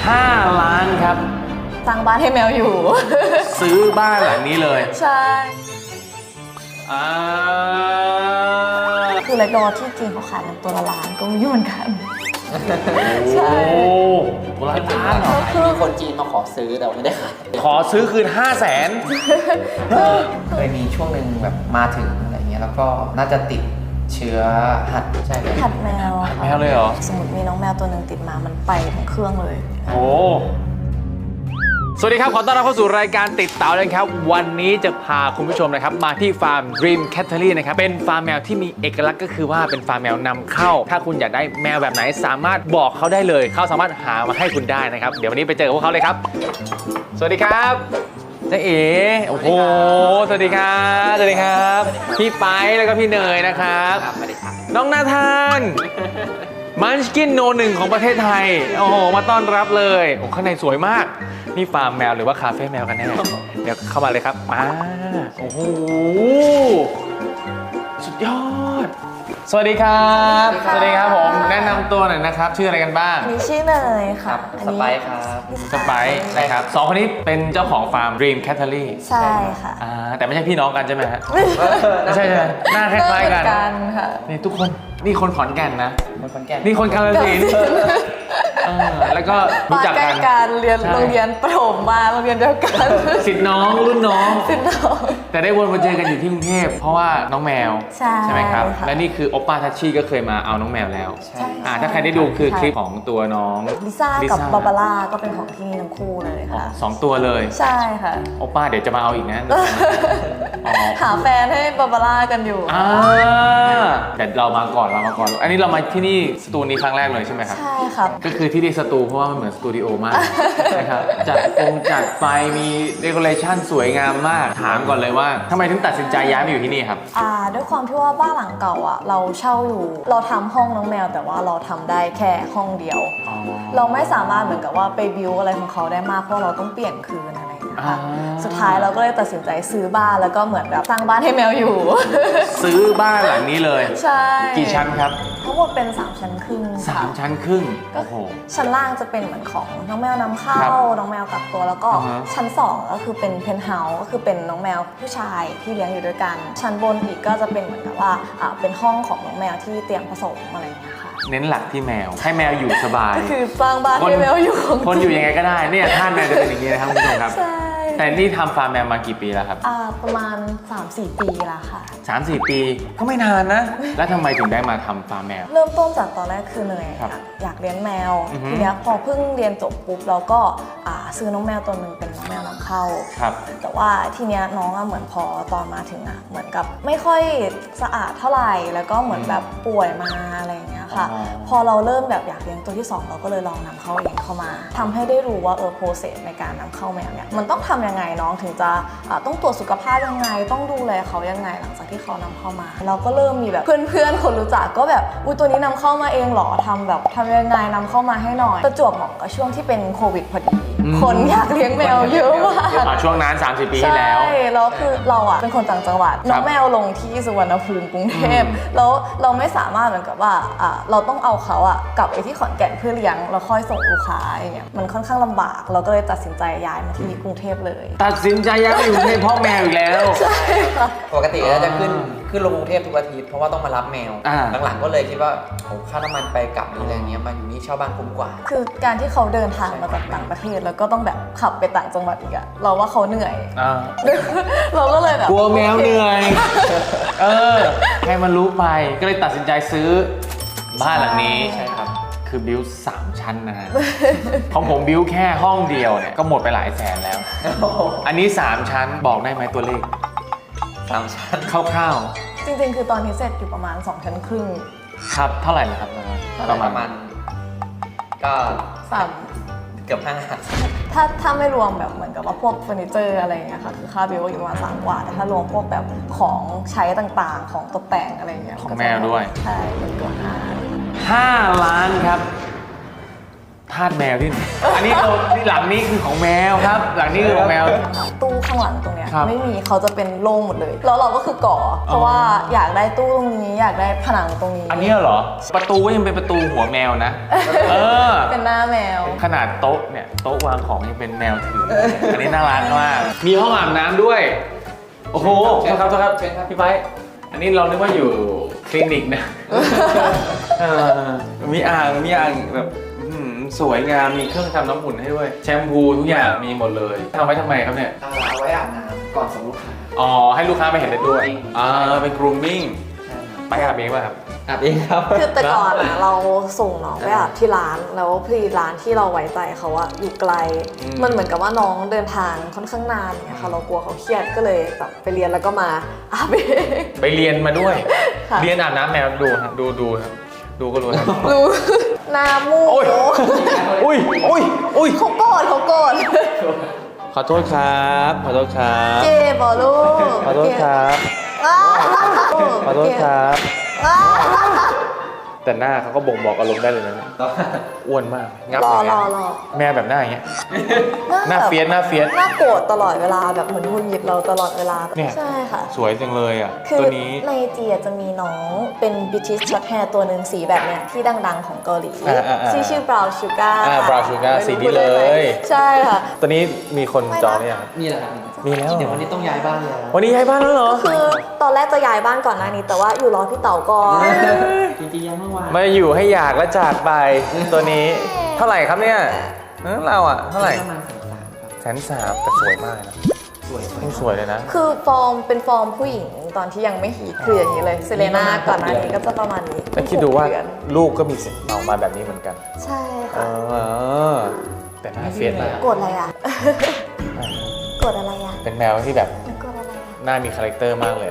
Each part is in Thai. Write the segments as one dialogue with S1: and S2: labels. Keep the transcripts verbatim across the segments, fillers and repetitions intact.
S1: ห้าล้านครับ
S2: สร้างบ้านให้แมวอยู่
S1: ซื้อบ้านหลังนี้เลย
S2: ใช่
S1: อ่า
S2: คือเลดดอที่จีนเขาขายกันตัวละล้านก็มีเหมือนกันใช่
S1: ตัวละล้านเหรอ
S3: คือคนจีนมาขอซื้อแต่ไม่ได้ขาย
S1: ขอซื้อคืนห้าแสน
S3: เคยมีช่วงหนึ่งแบบมาถึงอะไรเงี้ยแล้วก็น่าจะติดเชื้อหัดใช่ไหม
S2: หัดแมว
S1: แมวเลยเหรอ
S2: สมมติมีน้องแมวตัวหนึ่งติดมามันไปทั้งเครื่องเลย
S1: โอ้สวัสดีครับขอต้อนรับเข้าสู่รายการติดเต่าเลยครับวันนี้จะพาคุณผู้ชมนะครับมาที่ฟาร์ม Dream Cattery นะครับเป็นฟาร์มแมวที่มีเอกลักษณ์ก็คือว่าเป็นฟาร์มแมวนำเข้าถ้าคุณอยากได้แมวแบบไหนสามารถบอกเขาได้เลยเขาสามารถหามาให้คุณได้นะครับเดี๋ยววันนี้ไปเจอพวกเขาเลยครับสวัสดีครับเจ๊เอ๋โอ้โหสวัสดีครับสวัสดีครับพี่ไปแล้วก็พี่เนยนะครับน้องนาธานมันชกินโนหนึ่งของประเทศไทยโอ้โหมาต้อนรับเลยโอ้ข้างในสวยมากนี่ฟาร์มแมวหรือว่าคาเฟ่แมวกันแน่เดี๋ยวเข้ามาเลยครับมาโอ้โหสุดยอดสวัสดีครับสวัสดีครับผมแนะนำตัวหน่อยนะครับชื่ออะไรกันบ้าง
S2: นี่ชื่อเนยค่ะ
S3: สไปซ์ครับ
S1: สไปซ์นะครับสองคนนี้เป็นเจ้าของฟาร์ม Dream Cattery
S2: ใช่ค่ะ
S1: แต่ไม่ใช่พี่น้องกันใช่ไหมฮะไม่ใช่ใช่ไหมหน้าคล้ายๆกันนี่ทุกคนนี่คนขอนแก่นนะ
S3: คนขอนแก่น
S1: นี่คนกาฬสินธุ์แล้วก็รู้จักกัน
S2: การเรียนโรงเรียนประถมมาโรงเรียนเดียวกัน
S1: สิทธิ์น้องรุ่นน้อง
S2: สิทธิ์น้อง
S1: แต่ได้วนมาเจอกันอยู่ที่กรุงเทพเพราะว่าน้องแมวใช่ไหมครับและนี่คือโอปป้าทัชชี่ก็เคยมาเอาน้องแมวแล้วถ้าใครได้ดูคือคลิปของตัวน้อง
S2: ลิซ่ากับบาบาร่าก็เป็นของที่นี่ทั้งคู่เลยค่ะ
S1: สองตัวเลย
S2: ใช่ค่ะ
S1: โอปป้าเดี๋ยวจะมาเอาอีกนะ
S2: หาแฟนให้บาบาร่ากันอยู่
S1: แต่เรามาก่อนเรามาก่อนอันนี้เรามาที่นี่สตูนี้ครั้งแรกเลยใช่ไหมครับ
S2: ใช่ครับ
S1: ก็คือที่นี่สตูเพราะว่ามันเหมือนสตูดิโอมากนะครับจัดฟงจัดไฟมีเดคอเรชั่นสวยงามมากถามก่อนเลยว่าทำไมถึงตัดสินใจย้ายมาอยู่ที่นี่ครับ
S2: อ่าด้วยความที่ว่าบ้านหลังเก่าอ่ะเราเช่าอยู่เราทำห้องน้องแมวแต่ว่าเราทำได้แค่ห้องเดียวเราไม่สามารถเหมือนกับว่าไปบิวอะไรของเขาได้มากเพราะเราต้องเปลี่ยนคืนอะไรนะคะสุดท้ายเราก็เลยตัดสินใจซื้อบ้านแล้วก็เหมือนแบบสร้างบ้านให้แมวอยู่
S1: ซื้อบ้านหลังนี้เลย
S2: ใช่
S1: กี่ชั้นครับ
S2: ทั้งหมดเป็นสามชั้นครึ่ง
S1: สามชั้นครึ่ง
S2: โอ้โหชั้นล่างจะเป็นเหมือนของน้องแมวนำเข้าน้องแมวกักตัวแล้วก็ชั้นสองก็คือเป็นเพนท์เฮาส์ก็คือเป็นน้องแมวผู้ชายที่เลี้ยงอยู่ด้วยกันชั้นบนอีกก็จะเป็นเหมือนกับว่าเป็นห้องของน้องแมวที่เตรียมผสมอะไรอย่างเงี้ยค่ะ
S1: เน้นหลักที่แมวให้แมวอยู่สบาย
S2: ก็คือสร้างบ้านให้แมวอยู่
S1: คนอยู่ยังไงก็ได้เนี่ยท่านแมวจะเป็นอย่างนี้นะครับคุณผู้ชมครับแต่นี่ทำฟาร์มแมวมากี่ปีแล้วครับ
S2: อ่าประมาณ สามสี่ ปีแล้วค่ะ
S1: สามสี่ ปีก็ไม่นานนะแล้วทำไมถึงได้มาทำฟาร์มแมว
S2: เริ่มต้นจากตอนแรกคือเนยอยากเลี้ยงแมวทีเนี้ยพอเพิ่งเรียนจบปุ๊บเราก็ซื้อน้องแมวตัวหนึ่งเป็นน้องแมวนำเข้าแต่ว่าทีเนี้ยน้องเหมือนพอตอนมาถึงอ่ะเหมือนกับไม่ค่อยสะอาดเท่าไหร่แล้วก็เหมือนแบบป่วยมาอะไรอย่างเงี้ยค่ะพอเราเริ่มแบบอยากเลี้ยงตัวที่สองเราก็เลยลองนำเข้าเองเข้ามาทำให้ได้รู้ว่าเออโปรเซสในการนำเข้าแมวเนี่ยมันต้องทำยังไงน้องถึงจะต้องตรวจสุขภาพยังไงต้องดูแลเขายังไงหลังจากที่เขานำเข้ามาเราก็เริ่มมีแบบเพื่อนๆคนรู้จักก็แบบอุ้ยตัวนี้นำเข้ามาเองเหรอทำแบบทำยังไงนำเข้ามาให้หน่อยประจวบเหมาะกับช่วงที่เป็นโควิดพอดีคนอยากเลี้ยงแมวเยอะมาก
S1: ช่วงนั้นสามสิบ ปีที่แล้ว
S2: ใช่แล้วคือเราอ่ะเป็นคนต่างจังหวัดน้องแมวลงที่สุวรรณภูมิกรุงเทพแล้วเราไม่สามารถเหมือนกับว่าเราต้องเอาเขาอ่ะกลับไปที่ขอนแก่นเพื่อเลี้ยงแล้วค่อยส่งลูกค้าอย่างเงี้ยมันค่อนข้างลำบากเราก็เลยตัดสินใจย้ายมาที่กรุงเทพเลย
S1: ตัดสินใจย้ายมาอยู่ในพ่อแมวอีกแล้ว
S2: ใช่ค่ะ
S3: ปกติเราจะขึ้นขึ้นลงกรุงเทพทุกอาทิตย์เพราะว่าต้องมารับแมวหลังๆก็เลยคิดว่าโอ้ค่าน้ำมันไปกลับอะไรอย่างเงี้ยมาอยู่นี่เช่าบ้านคุ้มกว่า
S2: คือการที่เขาเดินทางมาจากต่างประเทศแล้วก็ต้องแบบขับไปต่างจังหวัดอีกอะเราว่าเขาเหนื่อยเราก็เลยแบบ
S1: กลัวแมวเหนื่อยเออให้มันรู้ไปก็เลยตัดสินใจซื้อบ้านหลังนี้
S3: ใช่ครับ
S1: คือบิวสามชั้นนะฮะของผมบิวแค่ห้องเดียวเนี่ยก็หมดไปหลายแสนแล้วอันนี้สามชั้นบอกได้ไหมตัวเลข
S3: สามชั้น
S1: คร่าว
S2: ๆจริงๆคือตอนนี้เสร็จอยู่ประมาณสองชั้นครึ่ง
S1: ครับเท่าไหร่นะครับ
S3: ประมาณประมาณก็
S2: สาม
S3: เกือบห้า
S2: ถ้าถ้าไม่รวมแบบเหมือนกับว่าพวกเฟอร์นิเจอร์อะไรอย่างเงี้ยค่ะคือค่าบิลอยู่ประมาณสามกว่าแต่ถ้ารวมพวกแบบของใช้ต่างๆของตกแต่งอะไรอย่างเงี้ย
S1: ของแมวด้วย
S2: ใช่เกือบห้า
S1: ห้าล้านครับทาสแมวที่ไหนอันนี้เราที่หลังนี้คือของแมวครับ หลังนี้คือของแมว
S2: ตู้ข้างหลังตรงเนี้ย
S1: ครับ
S2: ไม่มีเขาจะเป็นโล่งหมดเลย แล้วเราก็คือก่อ เพราะว่าอยากได้ตู้ตรงนี้อยากได้ผนังตรงนี้
S1: อันนี้เหรอ ประตูก็ยังเป็นประตูหัวแมวนะ เออ
S2: เป็นหน้าแมว
S1: ขนาดโต๊ะเนี่ยโต๊ะวางของยังเป็นแมวถือ อันนี้น่ารักมาก มีห้องอาบน้ำด้วย โอ้โหโทษครับโทษครับพี่ไบร์ทอันนี้เรานึกว่าอยู่คลินิกนะเออมีอ่างมีอ่างแบบอื้อหือสวยงามมีเครื่องทำน้ำอุ่นให้ด้วย แชมพูทุกอย่างมีหมดเลยทำไว้ทำไมครับเนี่ย
S3: เอาไว้อาบน้ำก่อนส่งลูกค้า
S1: อ๋อให้ลูกค้าไปเห็นได้ด้วยอ่าเป็น grooming ไปอาบเองป่ะครับ
S3: อาบเองครับ
S2: คือแต่ก่อนอะเราส่งน้องไปอาบที่ร้านแล้วพอดีร้านที่เราไว้ใจเขาอะอยู่ไกล
S1: อืม
S2: มันเหมือนกับว่าน้องเดินทางค่อนข้างนานเนี่ยค่ะเรากลัวเขาเครียดก็เลยแบบไปเรียนแล้วก็มาอาบเอง
S1: ไปเรียนมาด้วย
S2: ค่ะ
S1: เรียนอาบน้ำแมวดูครับดูดูครับดูก็รู้ครับ
S2: รู้หน้ามูก
S1: โอ้ย อุ้ยอุ้ยอุ้ย
S2: เขาโกรธเขาโกรธ
S1: ขอโทษครับขอโทษครับ
S2: เจ็บเหรอลูก
S1: ขอโทษครับ
S2: อ้าว
S1: ขอโทษครับ
S2: อ้าว
S1: แต่หน้าเขาก็บ่งบอกอารมณ์ได้เลยนะเนี่ยอ้วนมากงับ
S2: รอ
S1: อย่าง
S2: ร
S1: เงี้
S2: อย รอ
S1: แม่แบบหน้าอย่างเงี้ยหน้าเฟียสหน้าเฟียส
S2: หน้าโกรธตลอดเวลาแบบเหมือนหงุดหงิดเราตลอดเวลา
S1: เนี่ย
S2: ใช่ค่ะ
S1: สวยจังเลยอ่ะ
S2: คือ
S1: ตัวนี้
S2: ในจีอะจะมีน้องเป็นบิทิชช็อตแฮร์ตัวหนึ่งสีแบบเนี้ยที่ดังๆของเกาหลี
S1: อ่าอ่าอ่า
S2: ชื่อชื่อบราวน์ชูการ์
S1: อ่า Brown Sugar สีนี้เลย
S2: ใช่ค่ะ
S1: ตัวนี้มีคนจองเนี่ยงครับ
S3: นี่แหละครับ
S1: มีแล้ว
S3: เดี๋ยววันนี้ต้องย้ายบ้านแล้ว
S1: วันนี้ย้ายบ้านแล้วเหรอ
S2: คือตอนแรกจะย้ายบ้านก่อนหน้านี้ แต่ว่าอยู่รอพี่เต๋าก่อน
S3: จริงๆยังเมื่อวาน
S1: มาอยู่ให้อยากและจากไปตัวนี้เท่าไหร่ครับเนี่ยเออเราอ่ะเท่าไหร่
S3: ประมาณแสนสามครับ
S1: แสนสามแต่สวยมากนะ
S3: สวย
S1: นี่สวยเลยนะ
S2: คือฟอร์มเป็นฟอร์มผู้หญิงตอนที่ยังไม่ฮีทคืออย่างนี้เลยเซเลน่าก่อนหน้านี้ก็จะประมาณนี้
S1: แต่คิดดูว่า
S2: หกเอน
S1: ลูกก็มีสิทธิ์ออกมาแบบนี้เหมือนกัน
S2: ใช่
S1: เอ
S2: ค่ะ
S1: อแต่หน้าเฟียสมาก
S2: โกรธอะไรอ่ะ โกรธอะไรอ่ะ
S1: เป็นแมวที่แบบ
S2: โกรธอะไรอ่ะ
S1: หน้ามีคาแรคเตอร์มากเลย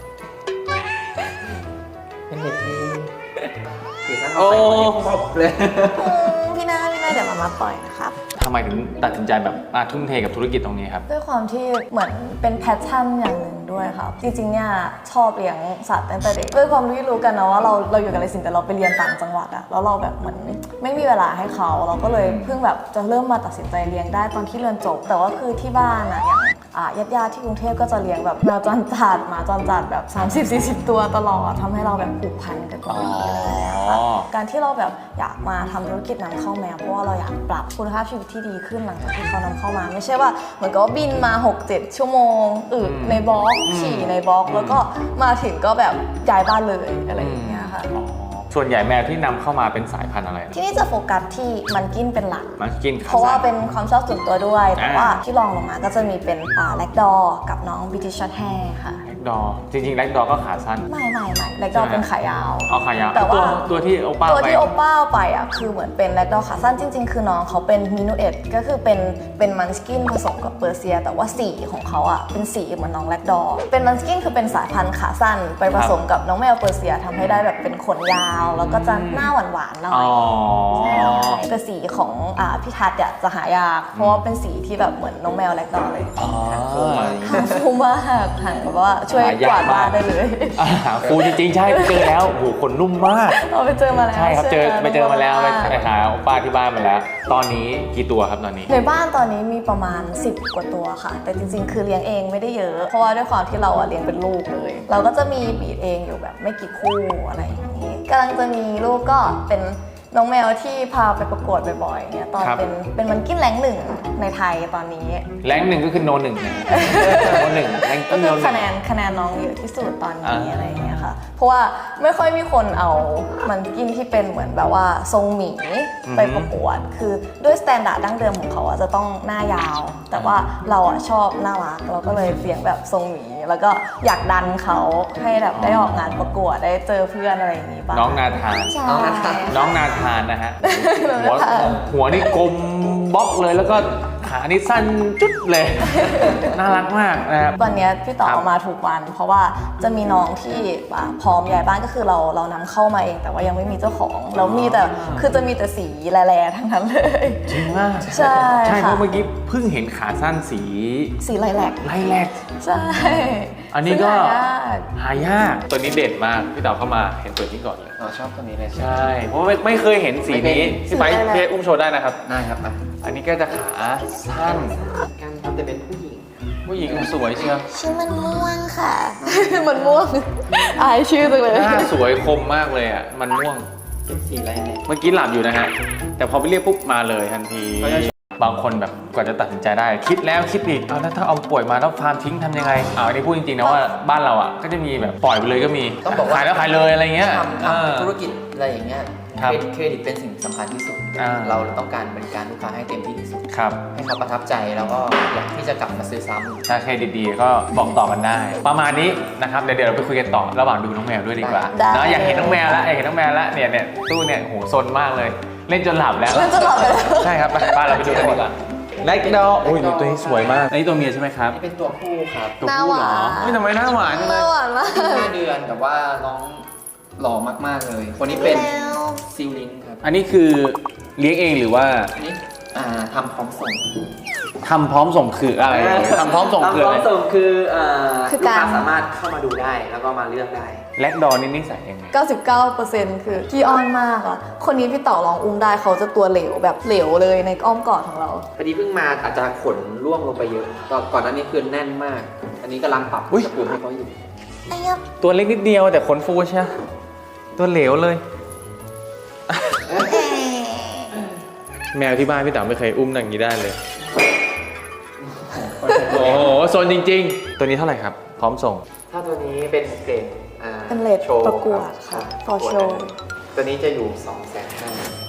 S3: เป็นเด็กที่คือถ้า
S1: โอ้
S3: เอาใส่คนนี้ครบเลย
S2: อืมพี่นาพี่นาเดี๋ยวมามาปล่อยนะครับ
S1: ทำไมถึงตัดสินใจแบบมาทุ่มเทกับธุรกิจตรงนี้ครับ
S2: ด้วยความที่เหมือนเป็นแพชชั่นอย่างหนึ่งด้วยครับ จริงๆเนี่ยชอบเลี้ยงสัตว์ตั้งแต่เด็กด้วยความที่รู้กันนะว่าเราเราอยู่กับอะไรสิ่งแต่เราไปเรียนต่างจังหวัดอะแล้วเราแบบเหมือนไม่มีเวลาให้เขาเราก็เลยเพิ่งแบบจะเริ่มมาตัดสินใจเลี้ยงได้ตอนที่เรียนจบ แต่ว่าคือที่บ้านอะอย่างอ่ะญาติๆที่กรุงเทพก็จะเลี้ยงแบบแมวจรจัดหมาจรจัดแบบ สามสิบสี่สิบ ตัวตลอดทำให้เราแบบผูกพันกับตรงนี้อะไรอย่างเงี้ยค่ะ
S1: อ๋อ
S2: การที่เราแบบอยากมาทำธุรกิจนำเข้าแมวเพราะว่าเราอยากปรับคุณภาพชีวิตที่ดีขึ้นหลังจากที่เขานำเข้ามา ไม่ใช่ว่าเหมือนกับว่าบินมา หกเจ็ด ชั่วโมงอึในบล็อกฉี่ในบล็อกแล้วก็มาถึงก็แบบย้ายบ้านเลยอะไรอย่างเงี้ยค่ะ
S1: อ๋อส่วนใหญ่แมวที่นำเข้ามาเป็นสายพันธุ์อะไรนะ
S2: ที่นี่จะโฟกัสที่มันกินเป็นหลัก
S1: มันกินขา
S2: เพราะว่า
S1: สั้น
S2: เป็นความชอบส่วนตัวด้วย แต่
S1: อ่า
S2: ว่าที่รองลงมาก็จะมีเป็นอ่าแลกดอกับน้องบิทิชช็อตแฮร์ค่ะ
S1: แล็กดอร์จริงๆแล็กดอร์ก็ขาสั้น
S2: ไม่ไม่ไม่แลกดอเป็นขายาว
S1: เอาขายาว
S2: แต่ว่า
S1: ตัวตัวที่โอป้า
S2: ตัว
S1: ไป
S2: ที่โอป้าเอาไปอ่ะคือเหมือนเป็นแลกดอขาสั้นจริง ๆ คือน้องเขาเป็นมินูเอ็ดก็คือเป็นเป็นมันสกินผสมกับเปอร์เซีย แต่ว่าสีของเขาอ่ะเป็นสีเหมือนน้องแลกดอเป็นมันสกินคือเป็นสายพันธุ์ขาสั้น ไปผสมกับน้องแมวเปอร์เซียทำให้ได้แบบเป็นขนยาว แล้วก็จะหน้าหวานๆหน่อ
S1: อ๋
S2: ย
S1: อ
S2: แต่สีของอ่าพี่ทัศน์อ่ะจะหายากเพราะว่าเป็นสีที่แบบเหมือนน้องแมวแลกดอเลย
S1: อ๋อ
S2: หางฟูมากหางแบบว่าช่วยกวาดบ้านได้เลย
S1: อ่าหาฟูจริงๆใช่เจอแล้วโอ้โหขนนุ่มมาก
S2: เราไปเจอมาแล้ว
S1: ใช่ครับเจอ
S2: ห
S1: ไปเจอมาแล้วไป
S2: ก
S1: ไปหาโอป้าที่บ้านมาแล้ว ตอนนี้กี่ตัวครับตอนนี้
S2: ในบ้านตอนนี้มีประมาณ สิบ กว่าตัวค่ะ แต่จริงๆ คือเลี้ยงเองไม่ได้เยอะ เพราะว่าด้วยความที่เราอะเลี้ยงเป็นลูกเลย เราก็จะมีบีดเองอยู่แบบไม่กี่คู่อะไรอย่างนี้กำลังจะมีลูกก็เป็นน้องแมวที่พาไปประกวดบ่อยๆเนี่ยตอน
S1: ครับ
S2: เป็นเป็นมันกินแรงหนึ่งในไทยตอนนี้
S1: แรงหนึ่งก็คือโนหนึ่งนะโนหนึ่งแรง
S2: ก็
S1: ก็
S2: คื
S1: โน
S2: อ
S1: หนึ่
S2: คะ
S1: ง
S2: แนนคะแนนน้องเยอะที่สุดตอนนี้
S1: อ่า
S2: อะไรอย่างเงี้ยค่ะ เพราะว่าไม่ค่อยมีคนเอามันกินที่เป็นเหมือนแบบว่าทรงหมีไปประกวด คือด้วยสแตนดาร์ดดั้งเดิมของเขาอะจะต้องหน้ายาว แต่ว่าเราอะชอบน่ารักเราก็เลยเลี้ยงแบบทรงหมี แล้วก็อยากดันเขาให้แบบได้ออกงานประกวดได้เจอเพื่อนอะไรอย่างงี้บ้าง
S1: น้องนาธาน
S2: ใช่
S3: น้องนาธาน
S1: น้องนาธานนะฮะ
S2: น้อง
S1: หัว
S2: นาธาน
S1: หัวนี่กลมบล็อกเลยแล้วก็ขานี่สั้นจุดเลย น่ารักมากนะครับ
S2: ตอนเนี้ยพี่ต่อ
S1: ครับ
S2: เอามาทุกวัน เพราะว่าจะมีน้องที่อ่าพร้อมย้ายบ้านก็คือเราเรานำเข้ามาเอง แต่ว่ายังไม่มีเจ้าของแล้วมีแต่คือจะมีแต่สีแร่ๆทั้งนั้นเลย
S1: จริงมาก
S2: ใช่
S1: ใช่เพ
S2: ค่ะ
S1: ราะเมื่อกี้เพิ่งเห็นขาสั้นสี
S2: สีไลแลก
S1: ไล่แรก
S2: ใช่
S1: อันนี้ก็
S2: ซึ่งหายาก
S1: หายากตัวนี้เด่นมากพี่เต๋าเข้ามาเห็นตัวนี้ก่อนเลย
S3: อ๋อชอบตัวนี้เลย
S1: ใช่เพราะว่าไม่ไม่เคยเห็นสีนี้พี่ไปพี่ให้อุ้มโชว์ได้นะครับ
S3: ได้ครับอ่ะ
S1: อันนี้ก็จะขาสั้น
S3: กันครับแต่เป็นผู้หญิง
S1: ผู้หญิงสวยเชียว
S2: ชื่อมันม่วงค่ะ มันม่วงอายชื่อจังเลย
S1: หน้าสวยคมมากเลยอ่ะมันม่วง
S3: เป็นสีอะไรเนี่ย
S1: เมื่อกี้หลับอยู่นะฮะแต่พอไปเรียกปุ๊บมาเลยทันทีบางคนแบบกว่าจะตัดสินใจได้ คิดแล้วคิดอีกเอาแล้วถ้าเอาป่วยมาแล้วฟาร์มทิ้งทำยังไงอ่าอันนี้พูดจริงๆนะว่าบ้านเราอ่ะก็จะมีแบบปล่อยไปเลยก็มี
S3: ต้องบอกว่า
S1: ขายแล้วขายเลยอะไรเงี้ย
S3: ทำ
S1: เออ
S3: ทำธุรกิจอะไรอย่างเงี้ย
S1: ครับ
S3: เครดิตเป็นสิ่งสำคัญที่สุด
S1: อ่า
S3: เราต้องการบริการลูกค้าให้เต็มที่ที่สุด
S1: ครับ
S3: ให้เขาประทับใจแล้วก็อยากที่จะกลับมาซื้อซ้ำ
S1: ถ้าเครดิตดีก็บอกต่อกันได้ ประมาณนี้นะครับเดี๋ยวเดี๋ยวเราไปคุยกันต่อระหว่างดูน้องแมวด้วยดีกว่า
S2: ได้
S1: เนอะอยากเห็นน้องแมวแล้วอยากเห็นน้องแมวแล้วเนี่ยเนี่ยตู้เนี่ยโหซนมากเลย เล่นจนหลับแล้ว
S2: เล่นจนหลับไปแล้ว
S1: ใช่ครับไปบ้านเราไปดูกันดีกว่าแล็กดอลอุ้ยตัวนี้สวยมากอันนี้ตัวเมียใช่ไหมครับ
S3: นี่เป็นตัวผู้ครับ
S1: ตัวผู้เหรอเฮ้ยทำไมหน้าหวานจังเล
S2: น่าย หวานมาก
S3: ห้าเดือนแต่ว่าน้องหล่อมากๆเลย คนนี้เป็นซิลลิงครับ
S1: อันนี้คือเลี้ยงเองหรือว่า
S3: อันนี้อ่าทำพร้อมส่ง
S1: ทำพร้อมส่งคืออะไรทำพร้อมส่งคือ
S3: ทำพ
S1: อะ
S3: ร้อ
S1: ไร
S3: มส่งคืออ่า
S2: คือ
S3: ลูก
S2: การ
S3: ค้าสามารถเข้ามาดูได้แล้วก็มาเลือกได้
S1: แล็กดอลนี่นิสัยยังไง
S2: เก้าสิบเก้าเปอร์เซ็นต์ คือขี้อ้อนมากอ่ะ คนนี้พี่เต๋อลองอุ้มได้เขาจะตัวเหลวแบบเหลวเลยในอ้อมกอดของเรา
S3: พอดีเพิ่งมาอาจจะขนร่วงลงไปเยอะก่อนก่อนหน้านี้คือแน่นมาก อันนี้กำลังปรับ
S1: อุ๊ย
S3: อุณหภูมิให้เขาอยู่
S1: ตัวเล็กนิดเดียวแต่ขนฟูใช่ไหมตัวเหลวเลย แมวที่บ้านพี่เต๋อไม่เคยอุ้มอย่างนี้ได้เลย โอ้โหโซนจริง ๆ ตัวนี้เท่าไหร่ครับ พร้อมส่ง
S3: ถ้าตัวนี้เป็นเกรดอ่า
S2: เป็นเรท
S3: โชว์
S2: ประกวด
S3: รับ
S2: ค่ะ
S3: รับ
S2: for
S3: ประกวด
S2: show
S3: ตัวนี้จะอยู่2องแสนห้า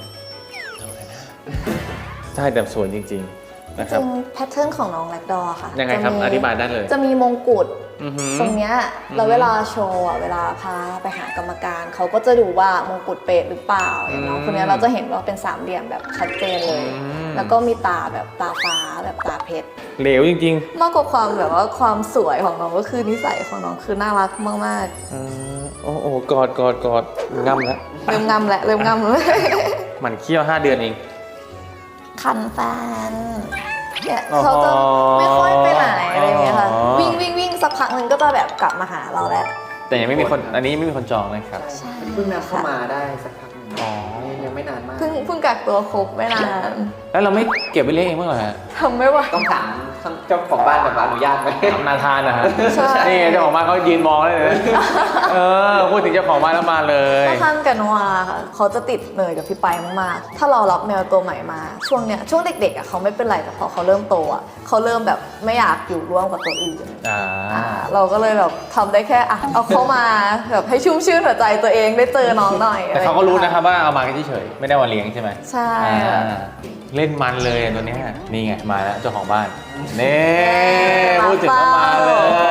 S1: ใช่แต่สวยจริง ๆ นะค
S2: จ
S1: รับ
S2: ริงแพทเทิร์นของน้องแลกดอร์ค่ะ
S1: ยังไงครับ
S2: จะมี
S1: อธิบายได้เลย
S2: จะมีมงกุฎ
S1: อือหือ
S2: ตรงเนี้ยแล้วเวลาโชว์อ่ะเวลาพาไปหากรรมการเขาก็จะดูว่ามงกุฎเป๊ะหรือเปล่าอย่างน้อง
S1: อืม
S2: คนเนี้ยเราจะเห็นว่าเป็นสามเหลี่ยมแบบชัดเจนเลย
S1: อืม
S2: แล้วก็มีตาแบบตาฟ้าแบบตาเพชร
S1: เหลวจริง
S2: มากกว่าความแบบว่าความสวยของน้องก็คือนิสัยของน้องคือน่ารักมาก
S1: ๆอืมโอ้โหกอดกอดกอดง่ำแล้ว
S2: ๆ เริ่มงำแหละเริ่มงำเลย
S1: มันเคี้ยวห้าเดือนเอง
S2: คันแฟนเนี่ยเขาจะไม่ค่อยไปไหนอะไรอย่างเงี้ยค่ะ
S1: อ๋อ
S2: วิ่งวิ่งวิ่งสักพักหนึ่งก็จะแบบกลับมาหาเราแหละ
S1: แต่ยังไม่มีคนอันนี้ไม่มีคนจองนะครับ
S2: ใช่
S3: เพิ่งนำเข้ามาได้สักพักหนึ่ง
S1: อ๋อ
S3: ยังไม่นานมาก
S2: เพิ่งเพิ่งกักตัวครบไม่นาน
S1: แล้วเราไม่เก็บไว้เลี้ยงเองบ้างเหรอฮะ
S2: ทำไม่ไหว
S3: ต้องถามเจ้าของบ้านแบบอนุญาตไหม
S1: ทำนาทานนะฮะ
S2: ใช่
S1: นี่เจ้าของบ้านเขายืนมองเลยนะเออพูดถึงเจ้าของบ้านแล้วมาเลย
S2: ถ้าท่านกับนวาค่ะเขาจะติดเนยกับพี่ไปมากๆ ถ้าเรารับแมวตัวใหม่มาช่วงเนี้ยช่วงเด็กๆอ่ะเขาไม่เป็นไรแต่พอเขาเริ่มโตอ่ะเขาเริ่มแบบไม่อยากอยู่ร่วมกับตัวอื่น
S1: อ่า
S2: อ่าเราก็เลยแบบทำได้แค่อ่ะเอาเข้ามาแบบให้ชุ่มชื่นหัวใจตัวเองได้เจอน้องหน่อย
S1: แต่เขาก็รู้นะครับว่าเอามาแค่เฉยๆไม่ได้ว่าเลี้ยงใช่ไหม
S2: ใช่
S1: อ่าเล่นมันเลยตัวเนี้ยนี่ไงมาแล้วเจ้าของบ้านนี่พูดถึงก็มาเลย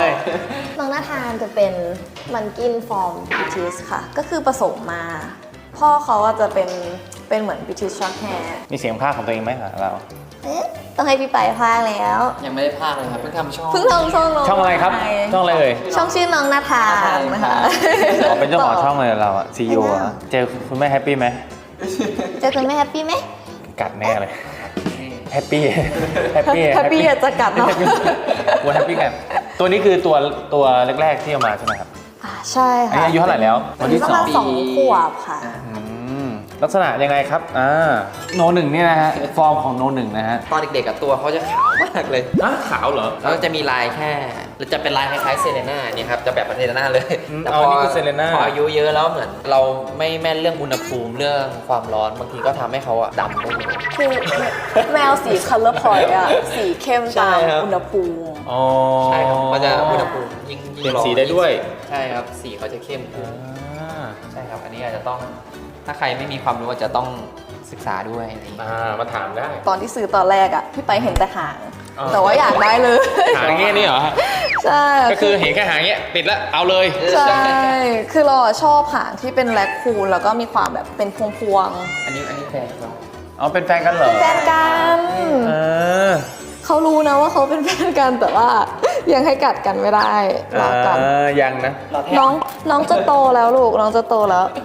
S2: น้องนาธานจะเป็นมันกินฟอร์มบิทิสค่ะ ก็คือผสมมา พ่อเขาอะจะเป็นเป็นเหมือนบิทิสช็อตแฮร์
S1: มีเสียงภาคของตัวเองไหมคะเรา
S2: ต้องให้พี่ไปพากแล้ว
S3: ยังไม่ได้พากเลยครับเพิ่งทำช่อง
S2: เพิ่งทำช่องน้อง
S1: ช่องอะไรครับ
S2: ใ
S1: ช่องอะไรเอ่ย
S2: ช่องชื่อน้องนาธานนะคะ
S1: อ๋อเป็นเจ้าของช่องเลยเราอะซีอีโออะเจอคุณแม่แฮปปี้ไหม
S2: เจอคุณแม่แฮปปี้ไหม
S1: กัดแน่เลยแฮปปี้แฮปปี้
S2: แฮปปี้อะจะกัดเนาะ
S1: วัวแฮปปี้กันตัวนี้คือตัวตัวแรกๆที่เอามาใช่ไหมครับ
S2: อ่าใช่
S1: อัน
S2: ค่ะ
S1: นี้อายุเท่าไหร่แล้ว
S2: อันนี้ประมาณสองขวบค่ะ
S1: อืมลักษณะยังไงครับอ่าโนหนึ่งนี่นะฮะฟอร์มของโนหนึ่งนะฮะ
S3: ตอนเด็กๆกับตัวเขาจะขาวมากเลย
S1: อ่ะขาวเหรอ
S3: แล้วจะมีลายแค่หรือจะเป็นลายคล้ายๆเซเลน่าเนี่ยครับจะแบบเซเลน่าเลย
S1: อืม
S3: แต่
S1: อ๋อนี่คือเซเลน่า
S3: พออายุเยอะแล้วเหมือน เราไม่แม่นเรื่องอุณหภูมิเรื่องความร้อนบางทีก็ทำให้เขาอะดำได้เลย
S2: คือแมวสี color point อะสีเข้ม
S3: ใช่
S2: ตาม
S3: ครับ
S2: อุณหภูมิ
S1: อ๋อ
S3: ใช่ครับเขาจะอุณหภูมิยิ่งยิ่ง
S1: เปลี่ยน
S3: ร้อน
S1: สีได้ด้วย
S3: ใช่ครับสีเขาจะเข้มขึ้น
S1: อ่า
S3: ใช่ครับอันนี้อาจจะต้องถ้าใครไม่มีความรู้อาจจะต้องศึกษาด้วยอะไรอย่างเงี้ย
S1: อ่ามาถามได้
S2: ตอนที่ซื้อตอนแรกอะพี่ไปเห็นแต่หาง
S1: อ๋อ
S2: แต่ว่าอยากได้เลย
S1: หางเงี้ยนี่เหรอฮะ
S2: ใช่
S1: ก็คือเห็นแค่หางเงี้ยติดแล้วเอาเลย
S2: ใช่ คือเราอะชอบหางที่เป็นแรคคูนแล้วก็มีความแบบเป็นพวง
S3: อันนี้อันนี้แฟนเขา
S1: อ๋อเป็นแฟนกันเหร
S2: ๆ
S1: อ
S2: เป็นแฟนกัน
S1: เออ
S2: เขารู้นะว่าเขาเป็นแฟนกันแต่ว่ายังให้กัดกันไม่ได้รอกัน
S1: อ่ายังนะ
S3: เราแทบ
S2: น้องน้องจะโตแล้วลูกน้องจะโตแล้ว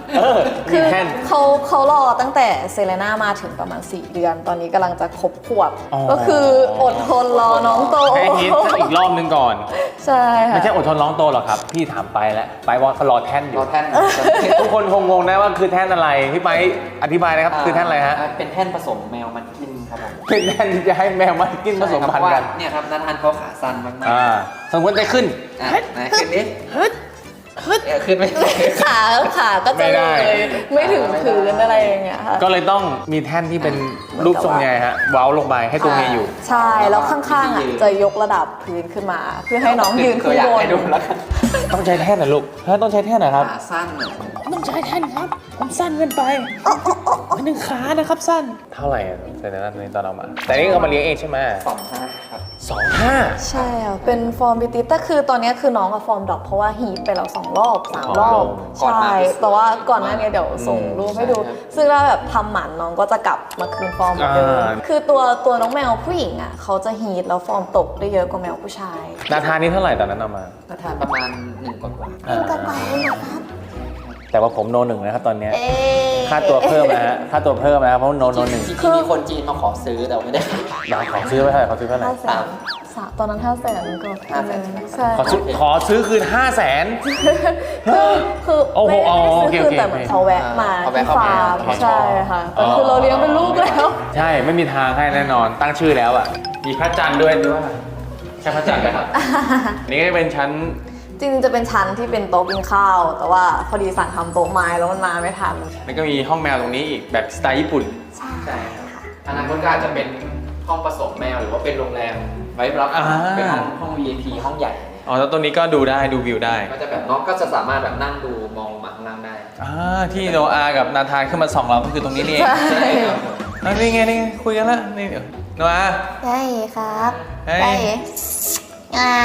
S1: เออ
S2: คื
S1: มี
S2: อ
S1: แท่น
S2: เขาเขารอตั้งแต่เซเลน่ามาถึงประมาณ สี่ เดือน ตอนนี้กำลังจะครบขวบ
S1: อ๋อ
S2: ก็คืออดทนรอน้องโต
S1: ให้ฮิตอีกรอบนึงก่อน
S2: ใช่ค่ะ
S1: ไม่ใช่อดทนร้องโตหรอกครับ พี่ถามไปแล้ว ไปว่าเขารอแท่นอ
S3: ร
S1: ยู่
S3: อแท่น
S1: ทุกคนคงงงนะว่าคือแท่นอะไร พี่ไปอธิบายนะครับ คือแท่นอะไรฮะ
S3: เป็นแท่นผสมแมวมันกินครับผม
S1: เป็นแท่นที่จะให้แมวมากินผสมพันธุ์กัน
S3: เนี่ยครับนัทานเขาขาสั้นมากๆ
S1: อ่าสมมติจะขึ้น
S3: อ่ะไหนขึ้นดิฮึดฮึดขึ้นไม่ได้
S2: ขาขาก็
S1: ไม่
S2: จะ
S1: ได้
S2: เลยไม่ถึงพื้นอะไรอย่างเงี้ยค่ะ
S1: ก็เลยต้องมีแท่นที่เป็นรูปทรงไงฮะเว้าลงไปให้ตัวเมียอยู่
S2: ใช่ แล้วข้างๆอ่ะจะยกระดับพื้นขึ้นมา เพื่อให้น้องยืน
S3: ตั
S2: ขึ้
S3: วน อย่าง
S2: บน
S3: ให้ดูแล้วกัน
S1: ต้องใช้แท่นนะลูกถ้าต้องใช้แท่นนะครับ
S3: ขาสั้นหน่อย
S1: ต้องใช้แท่นครับผมสั้นเกินไปหนึ่งขานะครับสั้น เท่าไหร่แต่ในนั้นตอนเอามา แต่นี่เอามาเลี้ยงเองใช่ไหม
S3: สองห้าครับ
S1: สองห้า
S2: ใช่ค่ะเป็นฟอร์มบิวตี้แต่คือตอนนี้คือน้องกับฟอร์มดรอปเพราะว่าฮีทไปแล้วสองรอบสามรอบ
S3: ก่อน
S2: ใช่
S3: มา
S2: แต่ว่าก่อนหน้านี้เดี๋ยวส่งรูปให้ดู
S3: ใช่ครับ
S2: ซึ่งถ้าแบบทำหมันน้องก็จะกลับมาคืนฟอร์มเหมือนเดิมคือตัวตัวน้องแมวผู้หญิงอ่ะเขาจะฮีทแล้วฟอร์มตกได้เยอะกว่าแมวผู้ชาย
S1: นาธานนี่เท่าไหร่ตอนนั้นเอามา
S3: นัทานประมาณหนึ่งกว่าๆ
S1: อ่า
S2: ก็ไปนะครับ
S1: แต่ว่าผมโนหนึ่งนะครับตอนเนี้ย
S2: เอ๊ะ
S1: ค่าตัวเพิ่มนะฮะค่าตัวเพิ่มนะครับเพราะโนโนหนึ่ง
S3: จริงๆมีคนจีนมาขอซื้อแต่ไม่ได้
S1: อยากขอซื้อไว้เท่าไหร่ขอซื้อเท่าไหร่
S2: ห้าแสนสามตอนนั้นห้าแสนก็
S3: ห้าแสนใช่ไหม
S2: ใช่
S1: ขอซื้อขอซื้อคืนห้าแสน
S2: คือคือ
S1: โอ้โห
S2: ไม่ไม่ได้
S1: โอ
S2: ซื้อ
S1: เค
S2: คื
S1: โอน เค
S2: แต่เหมือนเขาแวะมา
S3: เขา
S2: ที่
S3: แวะเข้ามา
S2: ฟาร์ม
S3: เขาชอบ
S2: ใช่ค่ะแต่คือเราเลี้ยงเป็นลูกแล้ว
S1: ใช่ไม่มีทางให้แน่นอนตั้งชื่อแล้วอ่ะมีพระจันทร์ด้วยด้วยใช่พระจันทร์ไหมครับ นี่ก็จะเป็นชั้น
S2: จริงๆจะเป็นชั้นที่เป็นโต๊ะกินข้าว แต่ว่าพอดีสั่งทำโต๊ะไม้แล้วมันมาไม่ทัน
S1: แล้วก็มีห้องแมวตรงนี้อีกแบบสไตล์ญี่ปุ่น
S2: ใช่
S3: ใช่ครับอนาคตก็อาจจะเป็นห้องผสมแมวหรือว่าเป็นโรงแรมไว้รับ
S1: อ่า
S3: เป็นห้องห้อง วี ไอ พี ห้องใหญ่
S1: อ๋อแล้วตัวนี้ก็ดูได้ดูวิวได้
S3: ก็จะแบบน้องก็จะสามารถแบบนั่งดูมองมาข้างล่างได้
S1: อ่าที่โนอากับนาธานขึ้นมาส่องเราก็คือตรงนี้นี่เอง
S2: ใช่
S1: อ่ะนี่ไงนี่ไงคุยกันแล้วนี่เดี๋ยวโนอา
S2: ได้ครับ
S1: เฮ้ย
S2: ได้อ่า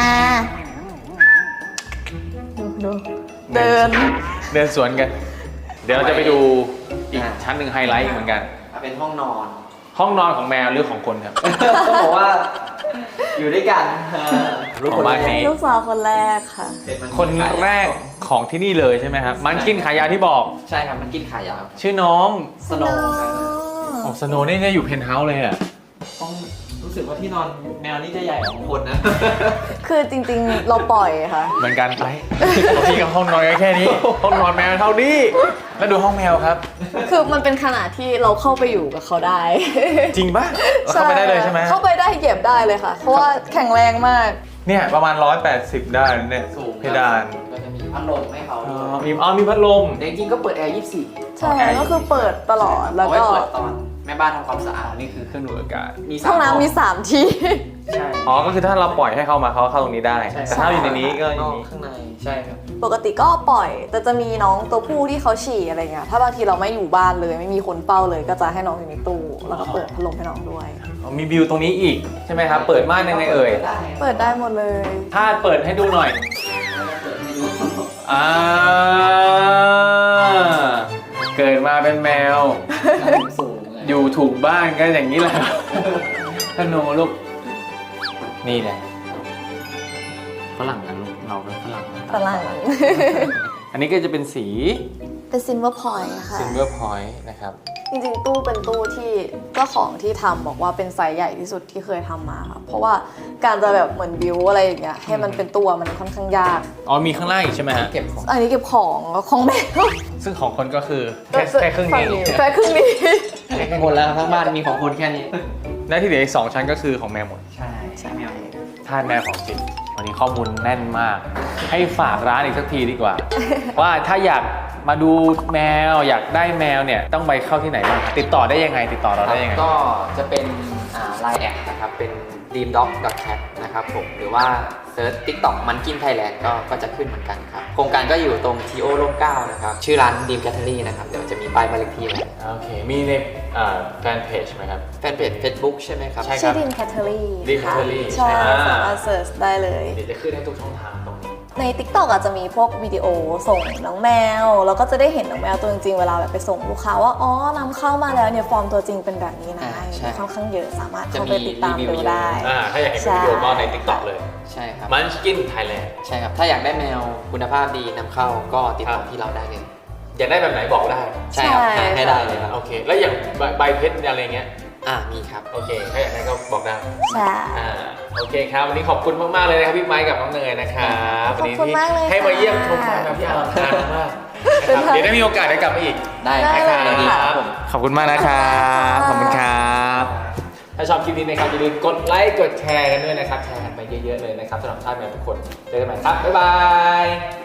S2: ดูดูเดิน
S1: เดินสวนกัน เดี๋ยวเราจะไปดูอีกชั้นหนึ่งไฮไลท์เหมือนกัน
S3: เป็นห้องนอน
S1: ห้องนอนของแมวหรือของคนครับ
S3: ต้องบอกว่าอยู่ด้วยกัน
S1: ของบ้านนี้
S2: ลูกสาวคนแรกค่ะ
S1: คนแรกของที่นี่เลยใช่ไหมครับ มันกินขายาวที่บอก
S3: ใช่ครับมันกินขายาว
S1: ชื่อน้อง
S3: สโนว์
S1: อ๋อสโนว์นี่จะอยู่เพนท์เฮาส์เลยอ่ะ
S3: ต้องรู้สึกว่าที่นอนแมวนี่จะใหญ่กว่าคนนะ
S2: คือจริงๆเราปล่อยค่ะ
S1: เหมือนกันไปพี่กับห้องนอนก็แค่นี้ ห้องนอนแมวเท่านี้ แล้วดูห้องแมวครับ
S2: คือมันเป็นขนาดที่เราเข้าไปอยู่กับเขาได้
S1: จริงปะเข้าไปได้เลยใช่ไหม
S2: เข้าไปได้เหยียบได้เลยค่ะ เพราะว่าแข็งแรงมาก
S1: เนี่ยประมาณร้อยแปดสิบได้เนี่ย
S3: สูง
S1: เพดาน
S3: ก็จะมีพัดลมให้เขา
S1: อ๋
S3: ด้
S1: อ
S3: วย
S1: มีอ๋อมีพัดลม
S3: แต่จริงๆก็เปิดแอร์ยี่สิบสี่
S2: ใช่ก็คือเปิดตลอดแล้ว
S3: เอาไว้
S2: ก็
S3: เปิดตอนแม่บ้านทำความสะอาด
S1: นี่คือเครื่องดูดอากาศ
S3: มีสาม
S2: ห้องน้ำมีสามที่
S3: ใช่
S1: อ๋อ ก็คือถ้าเราปล่อยให้เข้ามาเขาเข้าตรงนี้ได้
S3: ใช่
S1: แต่ถ้าอยู่ในนี้ก็อย่าง
S3: น
S1: นี้
S3: ข้างในใช่ครับ
S2: ปกติก็ปล่อย แต่จะมีน้องตัวผู้ที่เขาฉี่อะไรเงี้ยถ้าบางทีเราไม่อยู่บ้านเลย ไม่มีคนเฝ้าเลย ก็จะให้น้องอยู่ในตู้แล้วก็เปิดพัดลมให้น้องด้วย
S1: อ๋อมีวิวตรงนี้อีกใช่ไหมครับ เปิดม่านยังไงเอ่ย
S2: เปิดได้หมดเลย
S1: ถ้าเปิดให้ดูหน่อย อ่า เกิดมาเป็นแมว
S3: สูง
S1: อยู่ถูกบ้านก็อย่างนี้แหละธนูลูก นี่แหละฝรั่งนะลูก เราเป็นฝรั่ง
S2: ฝรั่ง
S1: อันนี้ก็จะเป็นสี
S2: เป็นซินเวอร์พอยต์ค่ะ
S1: ซิลเวอร์พอยต์นะครับ
S2: จริงๆ ตู้เป็นตู้ที่เจ้าของที่ทำบอกว่าเป็นไซส์ใหญ่ที่สุดที่เคยทำมาค่ะ เพราะว่าการจะแบบเหมือนบิวอะไรอย่างเงี้ยให้มันเป็นตัวมันค่อนข้างยาก
S1: อ๋อมีข้างล่างอีกใช่ไหมฮะ
S3: เก็บของ
S2: อันนี้เก็บของของแมว
S1: ซึ่งของคนก็คือแค่แค่ครึ่งนี้
S2: แค่ครึ่งนี้
S3: แค่คนแล้วทั้งบ้านมีของคนแค่นี้
S1: และที่เหลืออีกสองชั้นก็คือของแมวหมด
S3: ใช่ใช่แมว
S1: ทาสแมวของจริง วันนี้ข้อมูลแน่นมาก ให้ฝากร้านอีกสักทีดีกว่า ว่าถ้าอยากมาดูแมวอยากได้แมวเนี่ยต้องไปเข้าที่ไหนบ้างติดต่อได้ยังไง ติดต่อเราได้ยังไง
S3: ก็จะเป็นไลน์แอดนะครับ เป็น dream dog cat นะครับผม หรือว่าเซิร์ช TikTok มันกินไทยแลนด์ก็ก็จะขึ้นเหมือนกันครับ โครงการก็อยู่ตรงทีโอร่มเกล้านะครับ ชื่อร้าน Dream Cattery นะครับ เดี๋ยวจะมีป้ายบ้านเลขที่ไว้
S1: โอเค มีในแฟนเพจไหมครับ
S3: แฟนเพจ Facebook ใช่ไหมครับ
S1: ใช่
S2: ชื่อดินแคทเทอรี่
S1: Dream Cattery
S2: ใช่
S1: ใช่ไหม
S2: สามารถเสิร์ชได้เลย
S1: เดี๋ยวจะขึ้นให้ทุกช่องทางตรงนี้
S2: ใน TikTok อาจจะมีพวกวิดีโอส่งน้องแมว แล้วก็จะได้เห็นน้องแมวตัวจริงๆ เวลาแบบไปส่งลูกค้าว่า อ๋อนำเข้ามาแล้วเนี่ยฟอร์มตัวจริงเป็นแบบนี้นะ
S3: อ่าใช่
S2: ค่อนข้างเยอะสามารถ
S3: จะ
S2: เข้า
S3: มี
S2: ไปติดตาม
S3: รีวิว
S2: ดูได้
S1: อ่า ถ้าอยากเห็นเป็นวิดีโอก็ใน TikTok เลย
S3: ใช่ครับ
S1: มันกินไทยแลนด์
S3: ใช่ครับ ถ้าอยากได้แมวคุณภาพดีนำเข้าก็ติดต่อ
S1: ครับ
S3: ที่เราได้เลย
S1: อยากได้แบบไหนบอกได้
S3: ใช่ครับ
S2: ใช่
S3: ให้ให้ได้เลยครับ
S1: โอเค แล้วอย่างใบใบเพชรอะไรเงี้ย
S3: อ่ามีครับ
S1: โอเคถ้าอยากได้ก็บอกได้
S2: ใช่
S1: อ่าโอเคครับวันนี้ขอบคุณมากๆเลยนะครับพี่ไม้กับน้องเนยนะครับ
S2: ขอบคุณมากเลย
S1: วันนี้ที่ให้มาเยี่ยมชม
S2: ค่ะ
S1: ฟาร์มแมวพี่อลังการมากนะครับเดี๋ยวได้มีโอกาสได้กลับมาอีก
S3: ได้
S2: ได้
S3: ครับ
S2: เลย
S3: ดี
S2: ค่ะ
S3: ครับผม
S1: ขอบคุณมากนะครับ ข
S2: ข
S1: อ
S2: อ
S1: บบ
S2: คุ
S1: คุณ
S2: ณ
S1: ค
S2: ค
S1: ร
S2: รั
S1: ับ ถ้าชอบคลิปนี้นะครับอย่าลืมกดไลค์ กดแชร์กันด้วยนะครับ แชร์กันไปเยอะๆเลยนะครับสำหรับท่านแมวทุกคน เจอกันใหม่ครับ บ๊ายบาย